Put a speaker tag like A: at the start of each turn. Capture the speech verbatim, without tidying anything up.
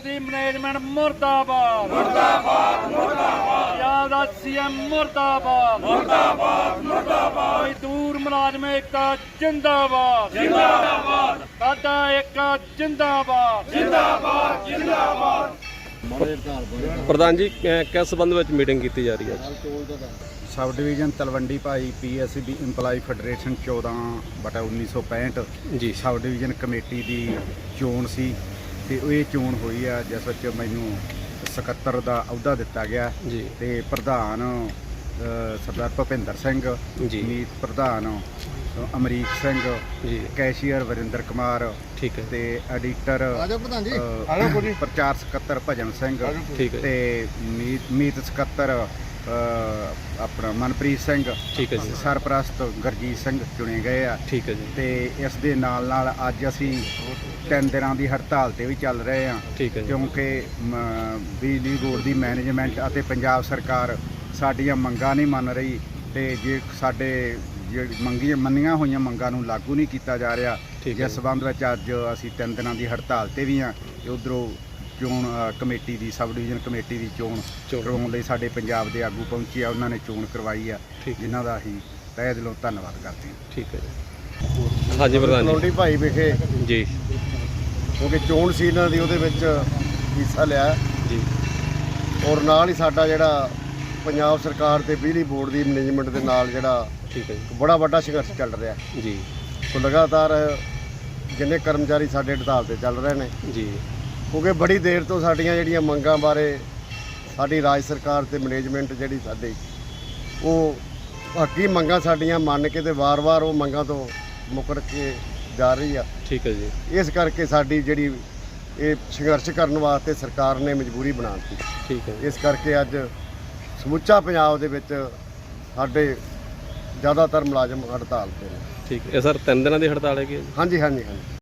A: Board की management मुर्दाबाद मुर्दाबाद मुर्दाबाद पंजाब दा सीएम मुर्दाबाद मुर्दाबाद मुर्दाबाद मजदूर मुलाजम एकता जिंदाबाद जिंदाबाद साडा एकता जिंदाबाद जिंदाबाद जिंदाबाद।
B: प्रधान जी किस संबंध में मीटिंग की जा रही है?
C: सब डिवीजन तलवंडी भाई P S B employee federation चौदह बटा उन्नीस सौ पैंठ
B: जी
C: सब डिवीजन कमेटी की चोण सी ते ये चोण हुई है जिस विच मैनू सकत्तर का अहुदा दिता गया
B: जी
C: ते प्रधान सरदार भुपिंदर सिंह
B: जी
C: मीत प्रधान अमरीक सिंह
B: जी
C: कैशियर वरिंदर कुमार
B: ठीक है
C: ते एडिटर प्रचार सकत्तर भजन सिंह
B: ठीक है
C: ते मीत मीत सकत्तर अपना मनप्रीत सिंह
B: ठीक है जी
C: सरप्रस्त गुरजीत सिंह चुने गए आ
B: ठीक है जी
C: ਤੇ ਇਸ ਦੇ ਨਾਲ ਨਾਲ ਅੱਜ ਅਸੀਂ ਤਿੰਨ ਦਿਨਾਂ ਦੀ ਹੜਤਾਲ ਤੇ ਵੀ ਚੱਲ ਰਹੇ ਹਾਂ
B: ਠੀਕ ਹੈ ਜੀ
C: ਕਿਉਂਕਿ ਮ, ਬਿਜਲੀ ਬੋਰਡ ਦੀ ਮੈਨੇਜਮੈਂਟ ਅਤੇ ਪੰਜਾਬ ਸਰਕਾਰ ਸਾਡੀਆਂ ਮੰਗਾਂ ਨਹੀਂ ਮੰਨ ਰਹੀ ਤੇ ਜੇ ਸਾਡੇ ਜਿਹੜੀ ਮੰਗੀਆਂ ਮੰਨੀਆਂ ਹੋਈਆਂ ਮੰਗਾਂ ਨੂੰ ਲਾਗੂ ਨਹੀਂ ਕੀਤਾ ਜਾ ਰਿਹਾ
B: ਠੀਕ ਹੈ
C: ਜਿਸ ਸਬੰਧ ਵਿੱਚ ਅੱਜ ਅਸੀਂ ਤਿੰਨ ਦਿਨਾਂ ਦੀ ਹੜਤਾਲ ਤੇ ਵੀ ਹਾਂ ਤੇ ਉਧਰੋਂ ਚੋਣ ਕਮੇਟੀ ਦੀ ਸਬ ਡਿਵੀਜ਼ਨ ਕਮੇਟੀ ਦੀ ਚੋਣ
B: ਚੋਣ।
C: ਕਰਵਾਉਣ ਲਈ ਸਾਡੇ ਪੰਜਾਬ ਦੇ ਆਗੂ ਪਹੁੰਚੇ ਆ ਉਹਨਾਂ ਨੇ ਚੋਣ ਕਰਵਾਈ ਆ
B: ਠੀਕ ਹੈ।
C: ਜਿਨ੍ਹਾਂ ਦਾ ਅਸੀਂ ਤਹਿ ਦਿਲੋਂ ਧੰਨਵਾਦ ਕਰਦੇ ਹਾਂ।
B: ठीक है जी हाँ जी प्रधान
D: ਤਲਵੰਡੀ ਭਾਈ ਵਿਖੇ
B: जी
D: ਕਿਉਂਕਿ ਚੋਣ ਸੀ ਇਹਨਾਂ ਦੀ ਉਹਦੇ ਵਿੱਚ ਹਿੱਸਾ ਲਿਆ
B: जी
D: ਔਰ ਨਾਲ ਹੀ ਸਾਡਾ ਜਿਹੜਾ ਪੰਜਾਬ ਸਰਕਾਰ ਤੇ ਬਿਜਲੀ ਬੋਰਡ ਦੀ ਮੈਨੇਜਮੈਂਟ ਦੇ ਨਾਲ ਜਿਹੜਾ
B: ठीक है
D: ਇੱਕ ਬੜਾ ਵੱਡਾ ਸੰਘਰਸ਼ ਚੱਲ ਰਿਹਾ
B: जी
D: ਸੋ ਲਗਾਤਾਰ ਜਿੰਨੇ ਕਰਮਚਾਰੀ ਸਾਡੇ ਹੜਤਾਲ ਤੇ ਚੱਲ ਰਹੇ ਨੇ
B: जी
D: ਕਿਉਂਕਿ ਬੜੀ ਦੇਰ ਤੋਂ ਸਾਡੀਆਂ ਜਿਹੜੀਆਂ ਮੰਗਾਂ ਬਾਰੇ ਸਾਡੀ ਰਾਜ ਸਰਕਾਰ ਤੇ ਮੈਨੇਜਮੈਂਟ ਜਿਹੜੀ ਸਾਡੀ ਉਹ ਹੱਕੀ ਮੰਗਾਂ ਸਾਡੀਆਂ ਮੰਨ ਕੇ ਤੇ ਵਾਰ-ਵਾਰ ਉਹ ਮੰਗਾਂ ਤੋਂ ਮੁਕਰ ਕੇ ਜਾ ਰਹੀ ਆ
B: ठीक है जी
D: ਇਸ ਕਰਕੇ ਸਾਡੀ ਜਿਹੜੀ ਇਹ ਸੰਘਰਸ਼ ਕਰਨ ਵਾਸਤੇ ਸਰਕਾਰ ਨੇ ਮਜਬੂਰੀ ਬਣਾ ਦਿੱਤੀ।
B: ठीक है
D: ਇਸ ਕਰਕੇ ਅੱਜ ਸਮੁੱਚਾ ਪੰਜਾਬ ਦੇ ਵਿੱਚ ਸਾਡੇ ਜ਼ਿਆਦਾਤਰ ਮੁਲਾਜ਼ਮ ਹੜਤਾਲ ਤੇ ਨੇ।
B: ठीक है सर तीन दिन की हड़ताल है कि
D: ਹਾਂਜੀ ਹਾਂਜੀ ਹਾਂਜੀ